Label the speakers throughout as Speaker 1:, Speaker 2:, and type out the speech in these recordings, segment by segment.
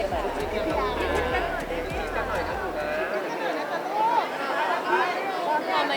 Speaker 1: พอไหม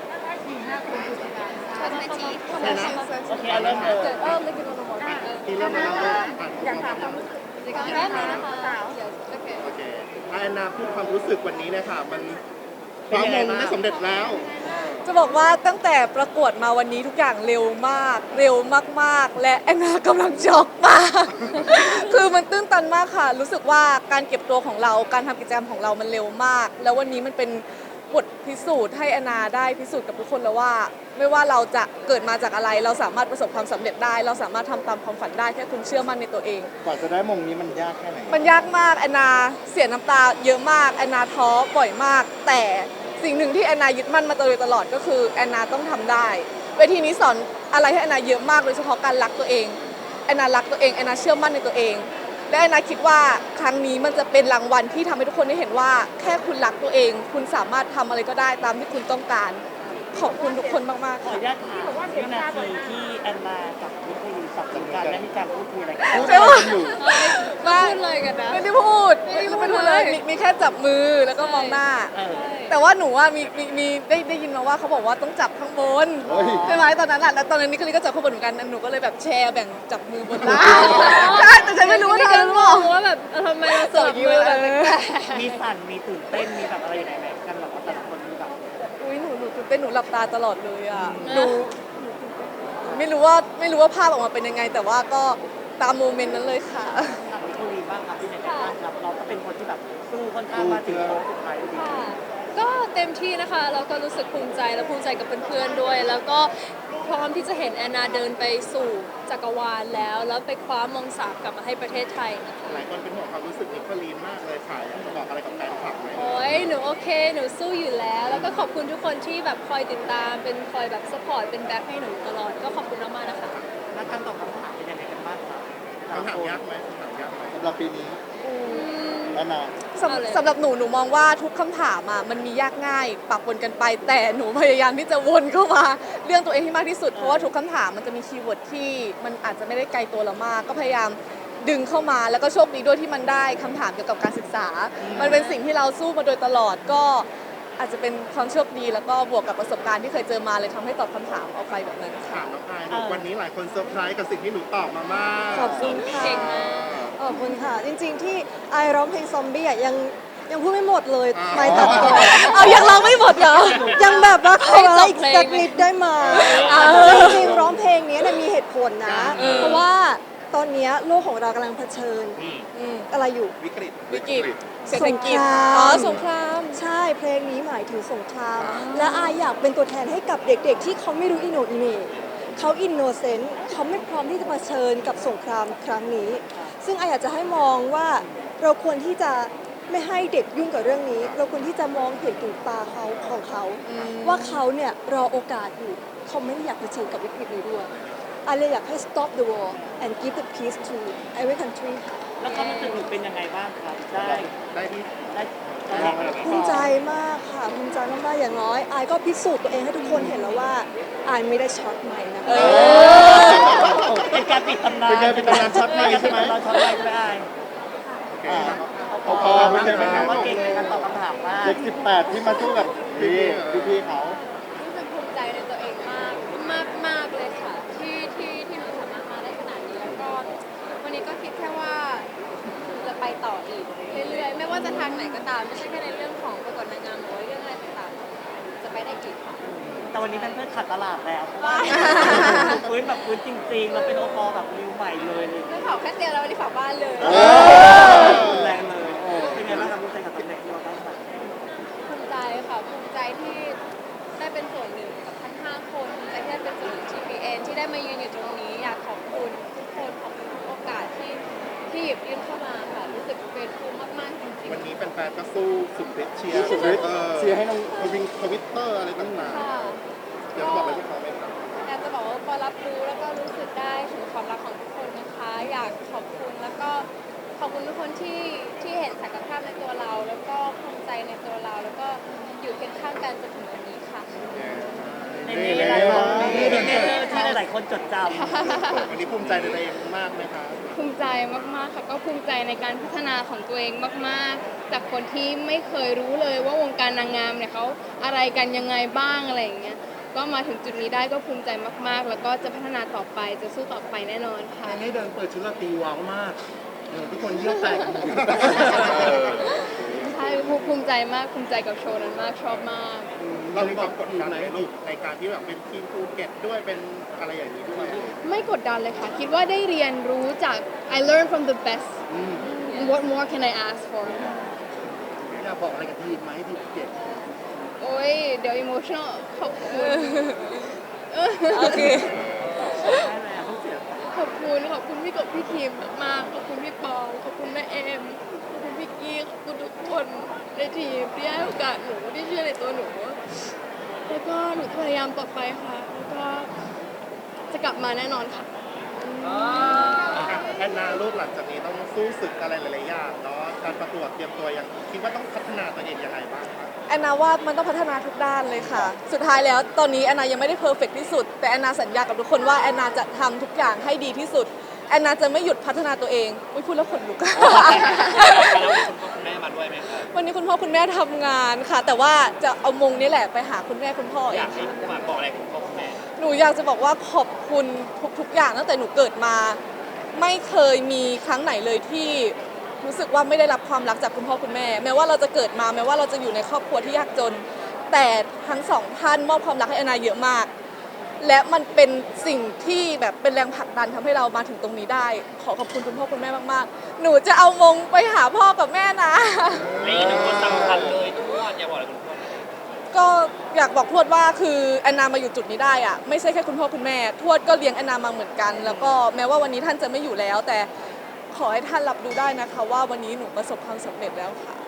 Speaker 1: ชอบไหมจีโอเคเริ่มเลย
Speaker 2: ที่เริ่มมาแล้วอยากถามความรู้สึก
Speaker 1: แป๊บนึงนะคะ
Speaker 2: โอเคแอนนาพูดความรู้สึกวันนี้เลยค่ะมันความมงได้สำเร็จแล้ว
Speaker 3: จะบอกว่าตั้งแต่ประกวดมาวันนี้ทุกอย่างเร็วมากเร็วมากๆและแอนนากำลังช็อกมาก คือมันตื้นตันมากค่ะรู้สึกว่าการเก็บตัวของเราการทำกิจกรรมของเรามันเร็วมาก แล้ววันนี้มันเป็นบทพิสูจน์ให้แอนนาได้พิสูจน์กับทุกคนแล้วว่าไม่ว่าเราจะเกิดมาจากอะไรเราสามารถประสบความสำเร็จได้เราสามารถทำตามความฝันได้แค่คุณเชื่อมั่นในตัวเอง
Speaker 2: กว่าจะได้มงนี้มันยากแค่ไหน
Speaker 3: มันยากมากแอนนาเสียน้ำตาเยอะมากแอนนาท้อบ่อยมากแต่สิ่งหนึ่งที่แอนนายึดมั่นมาโดยตลอดก็คือแอนนาต้องทำได้เวทีนี้สอนอะไรให้แอนนาเยอะมากโดยเฉพาะการรักตัวเองแอนนารักตัวเองแอนนาเชื่อมั่นในตัวเองและแอนนาคิดว่าครั้งนี้มันจะเป็นรางวัลที่ทำให้ทุกคนได้เห็นว่าแค่คุณรักตัวเองคุณสามารถทำอะไรก็ได้ตามที่คุณต้องการขอบคุณทุกคนมากๆ
Speaker 1: ขออนุญาตถามวินาทีที่แอนนากับวิทยุสับสนกันและมีการพูดคุยอะไรกัน
Speaker 3: ใช่ไหม
Speaker 1: พูดเลยกันนะ
Speaker 3: ไม่ได้พูดเลยมีแค่จับมือแล้วก็มองหน้าแต่ว่าหนูว่ามีได้ยินมาว่าเขาบอกว่าต้องจับข้างบนใช่ไหมตอนนั้นแหละแล้วตอนนั้นนิคลีก็จับข้างบนเหมือนกันหนูก็เลยแบบแชร์แบ่งจับมือบนล่างใช่แต่ฉันไม่รู้ว่าเธอรู้
Speaker 1: ว่าแบบทำไมเราจับมือแบบมีสั่นมีตื่นเต้นมีแบบอะไรอย่างไรกันแบบว่าแต่ละคนมีแบบ
Speaker 3: อุ้ยหนูตื่นเต้นหนูหลับตาตลอดเลยอ่ะหนูไม่รู้ว่าภาพออกมาเป็นยังไงแต่ว่าก็ตามโมเมนต์นั้นเลยค่ะ
Speaker 1: วิทยุบ้างครับที่ไหนบ้างครับเราก็เป็นคนที่แบบสู้ค่อนข้างมาถึงโค้งสุดท้ายดีก็เต็มที่นะคะแล้วก็รู้สึกภูมิใจและภูมิใจกับเพื่อนๆด้วยแล้วก็พร้อมที่จะเห็นแอนนาเดินไปสู่จักรวาลแล้วไปคว้ามง3กลับมาให้ประเทศไทยนะคะ
Speaker 2: หลายคนเป็นห่วงความรู้สึกนิโคลีนมากเลยค่ะอยากจะบอกอะไรกับแฟนคลับไหม
Speaker 1: โอ้ยหนูโอเคหนูสู้อยู่แล้วก็ขอบคุณทุกคนที่แบบคอยติดตามเป็นคอยแบบซัพพอร์ตเป็นแบ็คให้หนูตลอดก็ขอบคุณมากๆนะคะแล้วการตอบคำถามเป็นยังไงกันบ้างคะ
Speaker 2: คำถามยากไหมสำหรับปีนี้แอนนา
Speaker 3: สำหรับหนูมองว่าทุกคำถามมันมียากง่ายปะปนกันไปแต่หนูพยายามที่จะวนเข้ามาเรื่องตัวเองให้มากที่สุดเพราะว่าทุกคำถามมันจะมีคีย์เวิร์ดที่มันอาจจะไม่ได้ไกลตัวเรามากก็พยายามดึงเข้ามาแล้วก็โชคดีด้วยที่มันได้คำถามเกี่ยวกับการศึกษามันเป็นสิ่งที่เราสู้มาโดยตลอดก็อาจจะเป็นความโชคดีแล้วก็บวกกับประสบการณ์ที่เคยเจอมาเลยทำให้ตอบคำถามออกไปแบบนั้น
Speaker 2: ค่ะน้องพายวันนี้หลายคนเซอร์ไพรส์กับสิ่งที่หนูตอบมามาก
Speaker 3: ขอบคุณค่ะ
Speaker 1: เก่งมาก
Speaker 4: ขอบคุณค่ะจริงๆที่ไอร้องเพลงซอมบี้ยังพูดไม่หมดเลยไม่ตัดต่อ
Speaker 3: ยังร้องไม่หมดเหรอ
Speaker 4: ยังแบบว่าขออีกสักนิดได้ไหมจริงๆร้องเพลงนี้มีเหตุผลนะเพราะว่าตอนนี้โลกของเรากำลังเผชิญอะไรอยู่
Speaker 2: วิกฤต
Speaker 3: เศรษฐกิจสงคราม
Speaker 4: ใช่เพลงนี้หมายถึงสงครามและอายอยากเป็นตัวแทนให้กับเด็กๆที่เขาไม่รู้อิโหนอิเหน่เขาอินโนเซนต์เขาไม่พร้อมที่จะเผชิญกับสงครามครั้งนี้ซึ่งอายอยากจะให้มองว่าเราควรที่จะไม่ให้เด็กยุ่งกับเรื่องนี้เราควรที่จะมองเห็นถึงตาเขาของเขาว่าเขาเนี่ยรอโอกาสอยู่เขาไม่ได้อยากเผชิญกับวิกฤตนี้ด้วยอายเลยอยากให้ stop the war and give the peace to every country
Speaker 1: แล้วความรู้สึกหนูเป็นยังไงบ้างครับได้
Speaker 4: ภูมิใจมากค่ะภูมิใจมากๆอย่างน้อยอายก็พิสูจน์ตัวเองให้ทุกคนเห็นแล้วว่าอายไม่ได้ช็อตใหม่นะ
Speaker 1: เป็นการปิดตำนาน
Speaker 2: ช็อตใหม่ใช่ไหม
Speaker 1: ช็อตใหม่ไม่ได้
Speaker 2: ไม่ใช่ไหม
Speaker 1: ว่าเก่งในการตอบคำถามมาก
Speaker 2: เด็ก18ที่มาสู้กับพี่เขา
Speaker 1: รู้สึกภูมิใจในตัวเองมากเลยค่ะที่หนูสามารถมาได้ขนาดนี้แล้วก็วันนี้ก็คิดแค่ว่าจะไปต่ออีกเรื่อยๆไม่ว่าจะทางไหนก็ตามไม่ใช่แค่ในเรื่องของประกวดนางงามหรือเรื่องอะไรต่างๆจะไปได้อีกค่ะแต่วันนี้เป็นเพื่อนขัดตลาดแล้วเพราะว่าพื้นแบบพื้นจริงๆเราเป็นโอปอแบบริวใหม่เลยไม่เผาแค่เตียงแล้ววันนี้เผาบ้านเลยแรงเลยเป็นไงบ้างครับภูมิใจกับตำแหน่งที่เราได้มาภูมิใจค่ะภูมิใจที่ได้เป็นส่วนหนึ่งกับทั้ง5คนภูมิใจที่ได้เป็นส่วนหนึ่ง TPN ที่ได้มายืนอยู่ตรงนี้อยากขอบคุณทุกคนขอบคุณทุกโอกาสที่หยิบยื่นเข้ามาค่ะรู้สึกเป็นภูมิมากๆจริงๆ
Speaker 2: วันนี้แฟนๆก็สู้สุดฤทธิ์เชียร์ให้น้องทวิตเตอร์อะไรต่างๆอยากบอกอะไรพวกเขาไหมครับ
Speaker 1: อยากจะบอกว่าพอรับรู้แล้วก็รู้สึกได้ถึงความรักของทุกคนนะคะอยากขอบคุณแล้วก็ขอบคุณทุกคนที่เห็นศักยภาพในตัวเราแล้วก็ภูมิใจในตัวเราแล้วก็อยู่เคียงข้างกันจนถึงวันนี้ค่ะ
Speaker 5: ที่หลายๆคนจดจำ
Speaker 2: วันนี้ภูมิใจในตัวเองมากไหมคะ
Speaker 1: ภูมิใจมากๆค่ะก็ภูมิใจในการพัฒนาของตัวเองมากๆ จากคนที่ไม่เคยรู้เลยว่าวงการนางงามเนี่ยเขาอะไรกันยังไงบ้างอะไรอย่างเงี้ยก็มาถึงจุดนี้ได้ก็ภูมิใจมากๆ แล้วก็จะพัฒนาต่อไปจะสู้ต่อไปแน่นอนค่ะ
Speaker 5: ให้เดินเปิดชุดราตรีว้าวมากทุกคนเยี่ยวแตก
Speaker 1: ใช่ภูมิใจมากภูมิใจกับโชว์นั้นมากชอบมาก
Speaker 2: เรามีความกดดันไหมลูกในการที่แบบเป็นทีมภูเก็ตด้วยเป็นอะไรอย่างนี้ด้วย
Speaker 1: ไม่กดดันเลยค่ะ คิดว่าได้เรียนรู้จาก I learn from the best what more can I ask for
Speaker 5: อยากบอกอะไรกับทีมไหมทีมเก็บ
Speaker 1: โอ้ยเดี๋ยว emotional ขอบคุณ
Speaker 3: โอเค
Speaker 1: ขอบคุณพี่กบพี่ทีมมากๆขอบคุณพี่ปองขอบคุณแม่เอมขอบคุณพี่กี้ขอบคุณทุกคนในทีมที่ให้โอกาสหนูที่เชื่อในตัวหนู แล้วก็หนูจะพยายามต่อไปค่ะแล้วก็จะกลับมาแน่นอนค่ะ
Speaker 2: แอนนาลูกหลังจากนี้ต้องสู้ศึกอะไรหลายๆอย่างเนาะการประกวดเตรียมตัวยังคิดว่าต้องพัฒนาตัวเองยังไงบ้างคะ
Speaker 3: แอนนาว่ามันต้องพัฒนาทุกด้านเลยค่ะ สุดท้ายแล้วตอนนี้แอนนายังไม่ได้เพอร์เฟกที่สุด แต่แอนนาสัญญากับทุกคนว่าแอนนาจะทำทุกอย่างให้ดีที่สุด แอนนาจะไม่หยุดพัฒนาตัวเองอุ๊ยพูดแล้วขนลุก
Speaker 5: คุณแม่มาด้วยไหมครับ
Speaker 3: วันนี้คุณพ่อคุณแม่ทำงานค่ะ แต่ว่าจะเอามงนี้แหละไปหาคุณแม่คุณพ่อเอ
Speaker 5: อยาง กให้ฝากบอกอะไรคุณพ่อคุณแม่
Speaker 3: หนูอยากจะบอกว่าขอบคุณทุกๆอย่างตั้งแต่หนูเกิดมา ไม่เคยมีครั้งไหนเลยที่รู้สึกว่าไม่ได้รับความรักจากคุณพ่อคุณแม่ แม้ว่าเราจะเกิดมาแม้ว่าเราจะอยู่ในครอบครัวที่ยากจน แต่ทั้งสองท่านมอบความรักให้แอนนาเยอะมาก และมันเป็นสิ่งที่แบบเป็นแรงผลักดันทำให้เรามาถึงตรงนี้ได้ ขอขอบคุณคุณพ่อคุณแม่มากๆ หนูจะเอามงไปหาพ่อกับแม่นะ
Speaker 5: และอีกหนึ่งคนสำคัญเลยทุกคนอยากบอกอะไรคุณพ่อ
Speaker 3: ก็อยากบอกทวดว่าคือแอนนามาอยู่จุดนี้ได้อะไม่ใช่แค่คุณพ่อคุณแม่ทวดก็เลี้ยงแอนนามาเหมือนกัน แล้วก็แม้ว่าวันนี้ท่านจะไม่อยู่แล้ว แต่ขอให้ท่านรับรู้ได้นะคะว่าวันนี้หนูประสบความสำเร็จแล้วค่ะ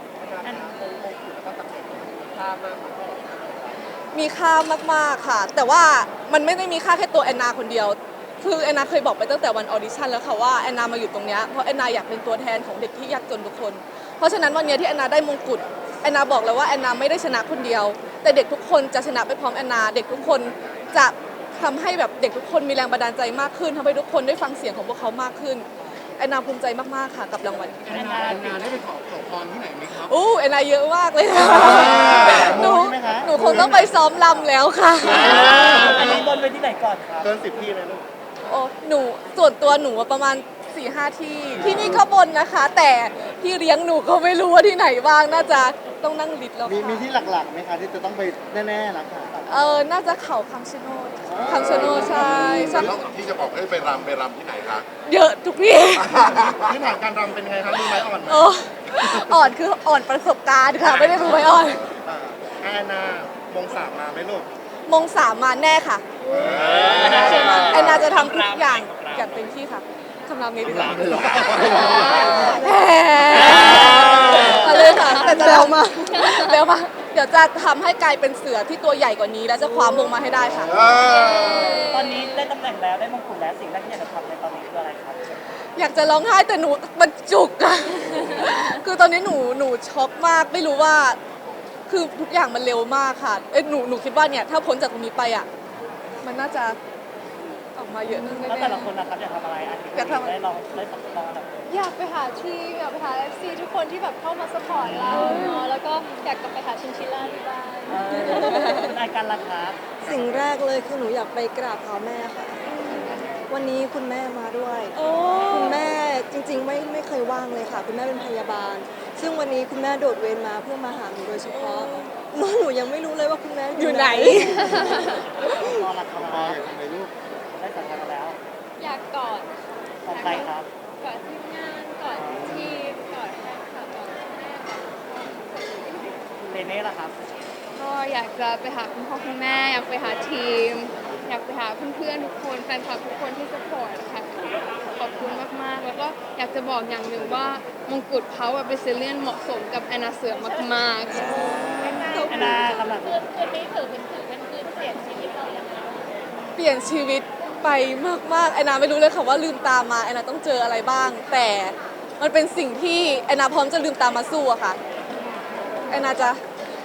Speaker 3: มีค่ามากๆค่ะ แต่ว่ามันไม่ได้มีค่าแค่ตัวแอนนาคนเดียว คือแอนนาเคยบอกไปตั้งแต่วันออดิชั่นแล้วค่ะว่าแอนนามาอยู่ตรงเนี้ยเพราะแอนนาอยากเป็นตัวแทนของเด็กที่ยากจนทุกคน เพราะฉะนั้นวันเนี้ยที่แอนนาได้มงกุฎแอนนาบอกเลยว่าแอนนาไม่ได้ชนะคนเดียว แต่เด็กทุกคนจะชนะไปพร้อมแอนนาเด็กทุกคนจะทำให้แบบเด็กทุกคนมีแรงบันดาลใจมากขึ้นทำให้ทุกคนได้ฟังเสียงของพวกเขามากขึ้นแอนนาภูมิใจมากๆค่ะกับรางวัล
Speaker 2: แอนนาได้ไปขอพรที่ไหนไหมครับ
Speaker 3: อู้แอนนาเยอะมากเลยค่ะหนูหนูคงต้องไปซ้อมรำแล้วค่ะ
Speaker 5: อันนี้บนไปที่ไหนก่อนครับ
Speaker 2: เกิน10 ที่เลยลูก
Speaker 3: โอ้หนูส่วนตัวหนูประมาณ 4-5 ที่ที่นี่ก็บนนะคะ แต่ที่เลี้ยงหนูก็ไม่รู้ว่าที่ไหนบ้างน่าจะต้องนั่งลิสต์แล้ว
Speaker 2: มี
Speaker 3: ค่ะ
Speaker 2: ที่หลักๆไหมคะที่จะต้องไปแน่ๆนะคะ
Speaker 3: น่าจะเขาคำชะโนดคำชะโนดใช่ใช่
Speaker 6: แล้วที่จะบอกให้ไปรำที่ไหนคะ
Speaker 3: เยอะทุกที่
Speaker 2: พื้นฐานการรำเป็นไงครับมีไม้อ่อนไหม
Speaker 3: โอ้อ่อนคืออ่อนประสบการณ์ค่ะ ไม่ได้รู้ไว้อ่อน
Speaker 2: แอนนามงสามมาไหมลูก
Speaker 3: มงสามมาแน่ค่ะแอนนาจะทำทุกอย่างอย่างเต็มที่ค่ะคำรามนี้ดีกว่าเอาเลยค่ะแต่จะเร็วมาเร็วมาเดี๋ยวจะทำให้กลายเป็นเสือที่ตัวใหญ่กว่านี้ แล้วจะคว้ามงมาให้ได้ค่ะ
Speaker 5: ตอนนี้ได้ตำแหน่งแล้วได้มงกุฎแล้วสิ่งแรกที่อยากจะทำในตอนนี้คืออะไรครับ
Speaker 3: อยากจะร้องไห้แต่หนูมันจุกอะคือตอนนี้หนูช็อกมากไม่รู้ว่า คือทุกอย่างมันเร็วมากค่ะหนูคิดว่าเนี่ยถ้าพ้นจากตรงนี้ไปอ่ะมันน่าจะออกมาเยอะนึง
Speaker 5: แล้ว
Speaker 3: แน่
Speaker 5: แต่ละคนนะครับอยากทำอะไรอันนี้ได้ลองอันดับ
Speaker 1: อยากไปหาทีมอยากไปหา FC ทุกคนที่แบบเข้ามาสปอร์ตเราเนาะแล้วก็อยากกลับไปหาชินชิล่าที่บ้าน
Speaker 5: คุณอาการราคา
Speaker 4: สิ่งแรกเลยคือหนูอยากไปกราบเท้าแม่ค่ะ วันนี้คุณแม่มาด้วย
Speaker 3: โอ้
Speaker 4: คุณแม่จริงๆไม่เคยว่างเลยค่ะ คุณแม่เป็นพยาบาล ซึ่งวันนี้คุณแม่โดดเวรมาเพื่อมาหาหนูโดยเฉพาะหนูยังไม่รู้เลยว่าคุณแม่
Speaker 3: อยู่ไหน
Speaker 5: ตอนราคา
Speaker 2: พออย่างไรลูก
Speaker 5: ได้สัญญาณแล้ว
Speaker 1: อยากกอด
Speaker 5: ของใครครับ
Speaker 1: กอดทีมงานกอดทีมกอดแฟนคลับกอดแม่กอด
Speaker 5: เรเน่ล่ะครับ
Speaker 1: ก็อยากจะไปหาคุณพ่อคุณแม่อยากไปหาทีม อยากไปหาเพื่อนๆทุกคนแฟนคลับทุกคนที่สปอร์ตค่ะขอบคุณมากๆ แล้วก็อยากจะบอกอย่างหนึ่งว่ามงกุฎเขาอะเป็นเซเลียนเหมาะสมกับแอนนาเสือมากๆ
Speaker 5: แอนนาคำหลัง
Speaker 1: คืนนี้ถือเป็นคืนเปลี่ยนชีวิตเราอย่างไร
Speaker 3: เปลี่ยนชีวิตไปมากๆแอนนาไม่รู้เลยค่ะว่าลืมตามาแอนนาต้องเจออะไรบ้าง แต่มันเป็นสิ่งที่แอนนาพร้อมจะลืมตามาสู้อะค่ะแอนนาจะ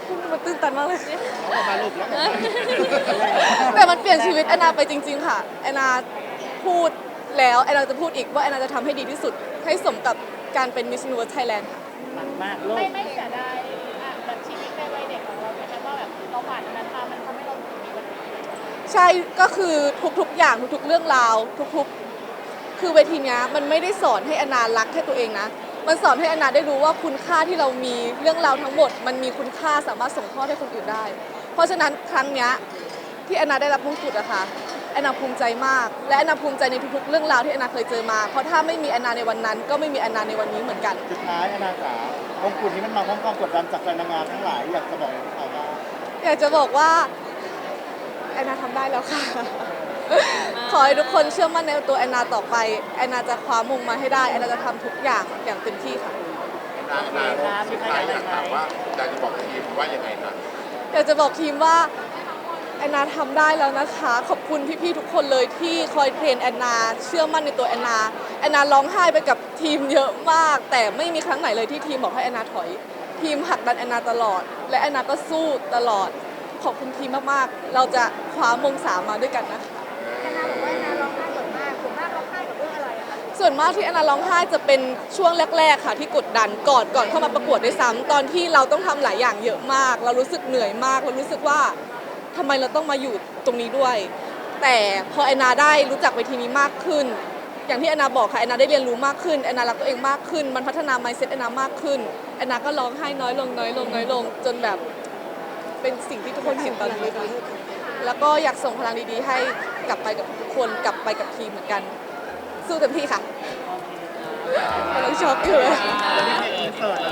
Speaker 3: มันตื้นตันมากเลย
Speaker 2: มาลูกแล้ว
Speaker 3: แต่มันเปลี่ยนชีวิตแอนนาไปจริง ๆ ค่ะแอนนาพูดแล้วแอนนาจะพูดอีกว่าแอนนาจะทำให้ดีที่สุด ให้สมกับการเป็น Miss Universe Thailand ค่ะ
Speaker 5: มันมากโลก
Speaker 1: ไม่เสียดายแบบชีวิตในวัยเด็กของเราใช่ไหมว่าแบบเราผ่านอันนั้นมามันทำให้เราถึงมีวันนี้
Speaker 3: ใช่ก็คือทุกๆอย่างทุกๆเรื่องราวทุกๆคือเวทีเนี้ยมันไม่ได้สอนให้แอนนารักแค่ตัวเองนะมันสอนให้แอนนาได้รู้ว่าคุณค่าที่เรามีเรื่องราวทั้งหมด มันมีคุณค่าสามารถส่งทอดให้คนอื่นได้ เพราะฉะนั้นครั้งเนี้ยที่แอนนาได้รับมงกุฎอะค่ะแอนนาภูมิใจมาก และแอนนาภูมิใจในทุกๆเรื่องราวที่แอนนาเคยเจอมาเพราะถ้าไม่มีแอนนาในวันนั้น ก็ไม่มีแอนนาในวันนี้เหมือนกัน
Speaker 2: สุดท้ายอนาถามงกุฎนี้มันมาพร้อมความกดดันจากแฟนนางงามทั้งหลายอยากจะบอกอะไรพวกเขาบ้าง
Speaker 3: อยากจะบอกว่าแอนนาทำได้แล้วค่ะ ขอให้ทุกคนเชื่อมั่นในตัวแอนนาต่อไปแอนนาจะคว้ามงมาให้ได้แอนนาจะทำทุกอย่างอย่างเต็มที่ค่ะ
Speaker 6: นาสุดท้ายอยากถามว่าอยากจะบอกทีมว่ายังไงครับ
Speaker 3: อยากจะบอกทีมว่าแอนนาทำได้แล้วนะคะ ขอบคุณพี่ๆทุกคนเลยที่คอยเทรนแอนนาเชื่อมั่นในตัวแอนนาแอนนาร้องไห้ไปกับทีมเยอะมาก แต่ไม่มีครั้งไหนเลยที่ทีมบอกให้แอนนาถอย ทีมผลักดันแอนนาตลอด และแอนนาก็สู้ตลอด ขอบคุณทีมมากๆ เราจะคว้ามง3มาด้วยกันนะคะ
Speaker 1: แอนนาบอกว่าแอนนาร้องไห้บ่อยมากส่วนมากร้องไห้กับเรื่องอะไรอะคะ
Speaker 3: ส่วนมากที่แอนนาร้องไห้จะเป็นช่วงแรกๆค่ะที่กดดันก่อนเข้ามาประกวดด้วยซ้ำตอนที่เราต้องทำหลายอย่างเยอะมาก เรารู้สึกเหนื่อยมากเรารู้สึกว่าทำไมเราต้องมาอยู่ตรงนี้ด้วย แต่พอแอนนาได้รู้จักเวทีนี้มากขึ้น อย่างที่แอนนาบอกค่ะแอนนาได้เรียนรู้มากขึ้นแอนนารักตัวเองมากขึ้น มันพัฒนา mindset แอนนามากขึ้นแอนนาก็ร้องไห้น้อยลงน้อยลงน้อยลงจนแบบเป็นสิ่งที่ทุกคนเห็นตอนนี้ค่ะแล้วก็อยากส่งพลังดีๆให้กลับไปกับทุกคนกลับไปกับทีมเหมือนกัน สู้เต็มที่ค่ะกำลังช็อกอยู่เลย
Speaker 2: จะมีเพลงอินเสิร์ต